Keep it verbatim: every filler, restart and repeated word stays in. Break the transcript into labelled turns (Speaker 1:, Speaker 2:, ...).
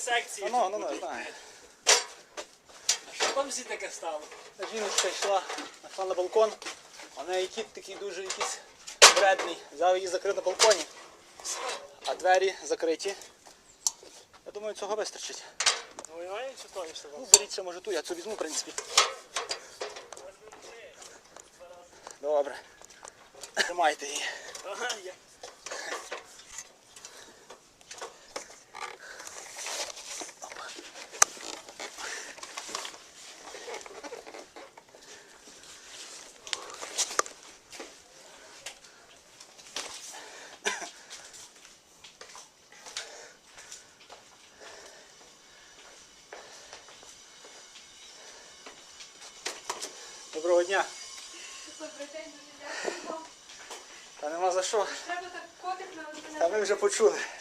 Speaker 1: секції.
Speaker 2: Ну, ну, ну, знаю.
Speaker 1: Що там всі таке стало?
Speaker 2: Жіночка йшла на, на балкон, а в неї кіт такий дуже якийсь вредний. Взяв її закрив на балконі, а двері закриті. Я думаю, цього вистачить.
Speaker 1: Ну, немає чи то, що
Speaker 2: Ну, беріть ще, може, ту, я цю візьму, в принципі. Добре. Тримайте її.
Speaker 1: Ага, є.
Speaker 2: Доброго дня.
Speaker 3: Добрий день, дуже дякую вам.
Speaker 2: Та нема за що.
Speaker 3: Треба так котик на
Speaker 2: Та ми вже почули.